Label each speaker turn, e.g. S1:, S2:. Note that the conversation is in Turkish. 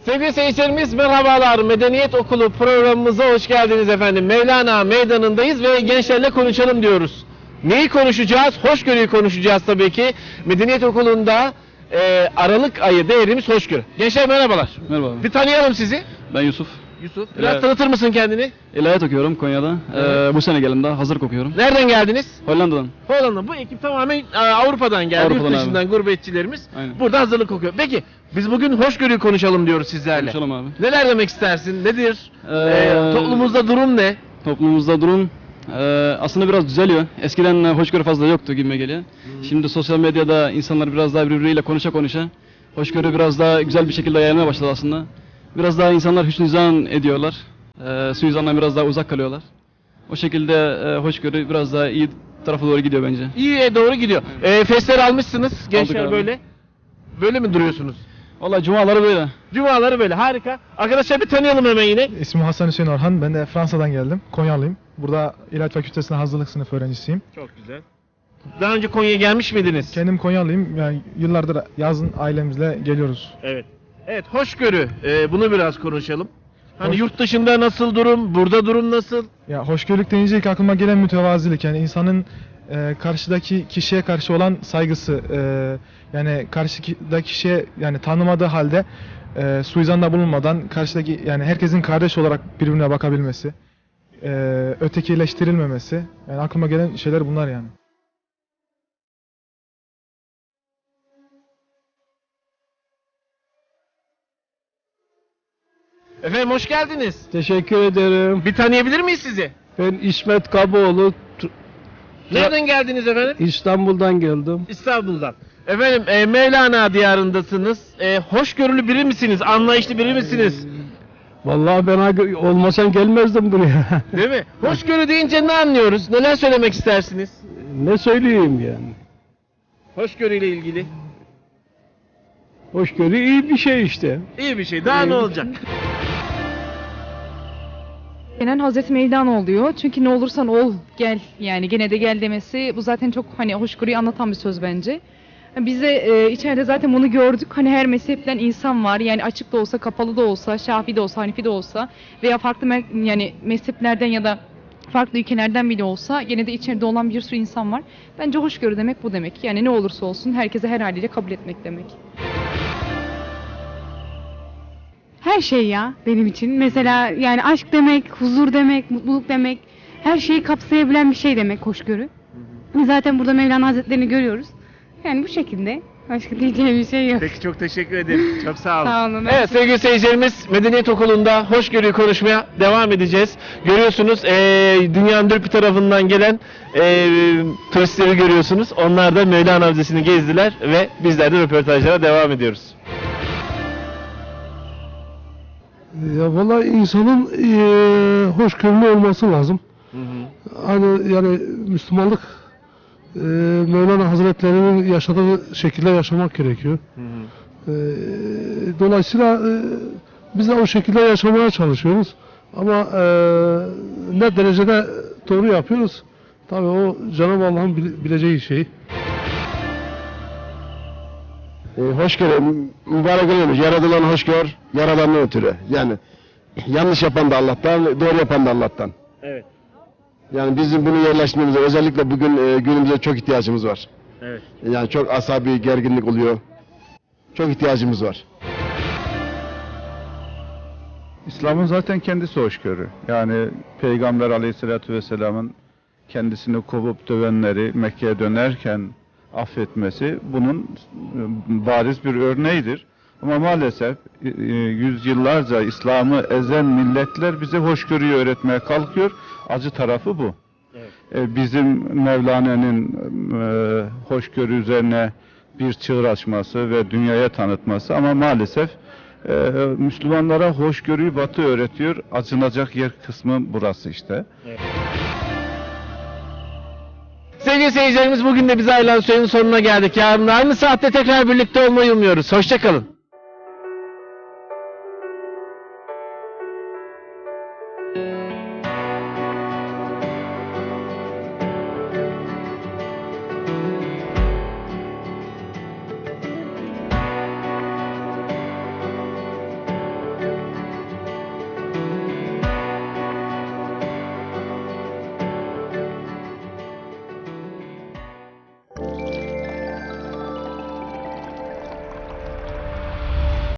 S1: Sevgili seyircilerimiz merhabalar. Medeniyet Okulu programımıza hoş geldiniz efendim. Mevlana Meydanı'ndayız ve gençlerle konuşalım diyoruz. Neyi konuşacağız? Hoşgörüyü konuşacağız tabii ki. Medeniyet Okulu'nda Aralık ayı değerimiz hoşgörü. Gençler merhabalar.
S2: Merhaba.
S1: Bir tanıyalım sizi.
S2: Ben Yusuf.
S1: Yusuf. Biraz tanıtır mısın kendini?
S2: İlahiyat okuyorum Konya'da. Bu sene gelimde hazırlık okuyorum.
S1: Nereden geldiniz?
S2: Hollanda'dan.
S1: Hollanda. Bu ekip tamamen Avrupa'dan geldi.
S2: Avrupa'dan
S1: Yurt dışından
S2: abi.
S1: gurbetçilerimiz.
S2: Aynen.
S1: Burada hazırlık okuyor. Peki biz bugün hoşgörüyü konuşalım diyoruz sizlerle.
S2: Konuşalım abi.
S1: Neler demek istersin? Nedir?
S2: Ee,
S1: Toplumumuzda durum ne?
S2: Toplumumuzda durum aslında biraz düzeliyor. Eskiden hoşgörü fazla yoktu gibime geliyor. Şimdi sosyal medyada insanlar biraz daha birbiriyle konuşa hoşgörü biraz daha güzel bir şekilde yayılmaya başladı aslında. Biraz daha insanlar hüsnüzan ediyorlar. Suizandan biraz daha uzak kalıyorlar. O şekilde hoşgörü biraz daha iyi tarafa doğru gidiyor bence.
S1: İyiye doğru gidiyor. Festler almışsınız gençler
S2: abi.
S1: böyle. Böyle mi duruyorsunuz?
S2: Vallahi cumaları böyle.
S1: Cumaları böyle harika. Arkadaşlar bir tanıyalım hemen yine.
S3: İsmim Hasan Hüseyin Orhan. Ben de Fransa'dan geldim. Konyalıyım. Burada İlahiyat Fakültesi'nde hazırlık sınıfı öğrencisiyim.
S1: Çok güzel. Daha önce Konya'ya gelmiş miydiniz?
S3: Kendim Konyalıyım. Yani yıllardır yazın ailemizle geliyoruz.
S1: Evet. Evet, hoşgörü. Bunu biraz konuşalım. Hani
S3: Hoş-
S1: yurt dışında nasıl durum, burada durum nasıl?
S3: Ya hoşgörülük deyince ilk aklıma gelen mütevazilik. Yani insanın karşıdaki kişiye karşı olan saygısı. Yani karşıdaki kişiye yani tanımadığı halde suizanda bulunmadan karşıdaki yani herkesin kardeş olarak birbirine bakabilmesi. Ötekileştirilmemesi. Yani aklıma gelen şeyler bunlar yani.
S1: Efendim hoş geldiniz.
S4: Teşekkür ederim.
S1: Bir tanıyabilir miyiz sizi?
S4: Ben İsmet Kaboğlu,
S1: Nereden geldiniz efendim?
S4: İstanbul'dan geldim.
S1: İstanbul'dan. Efendim Mevlana diyarındasınız. Hoşgörülü biri misiniz? Anlayışlı biri misiniz?
S4: Vallahi ben olmasam gelmezdim buraya.
S1: Değil mi? Hoşgörü deyince ne anlıyoruz? Neler söylemek istersiniz?
S4: Ne söyleyeyim yani?
S1: Hoşgörüyle ilgili.
S4: Hoşgörü iyi bir şey işte.
S1: İyi bir şey. Daha ne olacak?
S5: Genel Hazreti Mevlana oluyor. Çünkü ne olursan ol, gel. Yani gene de gel demesi bu zaten çok hani hoşgörüyü anlatan bir söz bence. Biz de içeride zaten bunu gördük. Hani her mezhepten insan var. Yani açık da olsa, kapalı da olsa, Şafii de olsa, Hanefi de olsa veya farklı yani mezheplerden ya da farklı ülkelerden bile olsa gene de içeride olan bir sürü insan var. Bence hoşgörü demek bu demek. Yani ne olursa olsun herkese her haliyle kabul etmek demek.
S6: Her şey ya benim için. Mesela yani aşk demek, huzur demek, mutluluk demek, her şeyi kapsayabilen bir şey demek hoşgörü. Zaten burada Mevlana Hazretleri'ni görüyoruz. Yani bu şekilde. Başka diyeceğim bir şey yok.
S1: Peki çok teşekkür ederim. Çok sağ olun.
S6: Sağ olun.
S1: Evet sevgili seyircilerimiz Medeniyet Okulu'nda hoşgörüyü konuşmaya devam edeceğiz. Görüyorsunuz dünyanın dört bir tarafından gelen turistleri görüyorsunuz. Onlar da Mevlana Müzesi'ni gezdiler ve bizler de röportajlara devam ediyoruz.
S4: Ya vallahi insanın hoşgörülü olması lazım. Hani yani Müslümanlık Mevlana Hazretleri'nin yaşadığı şekilde yaşamak gerekiyor. Dolayısıyla biz de o şekilde yaşamaya çalışıyoruz. Ama ne derecede doğru yapıyoruz? Tabii o Cenab-ı Allah'ın bileceği şey.
S7: Hoşgörü, mübarek olmuş. Yaradılan hoşgör, yaradanın ötürü. Yani yanlış yapan da Allah'tan, doğru yapan da Allah'tan.
S1: Evet.
S7: Yani bizim bunu yerleştirmemize, özellikle bugün günümüzde çok ihtiyacımız var.
S1: Evet.
S7: Yani çok asabi gerginlik oluyor. Çok ihtiyacımız var.
S8: İslam'ın zaten kendisi hoşgörü. Yani Peygamber Aleyhisselatü Vesselam'ın kendisini kovup dövenleri Mekke'ye dönerken affetmesi bunun bariz bir örneğidir. Ama maalesef yüzyıllarca İslam'ı ezen milletler bize hoşgörüyü öğretmeye kalkıyor. Acı tarafı bu.
S1: Evet.
S8: Bizim Mevlana'nın hoşgörü üzerine bir çığır açması ve dünyaya tanıtması ama maalesef Müslümanlara hoşgörüyü Batı öğretiyor. Acınacak yer kısmı burası işte.
S1: Evet. Sevgili seyircilerimiz bugün de bize ayrılan sürenin sonuna geldik. Yarın da aynı saatte tekrar birlikte olmayı umuyoruz. Hoşçakalın.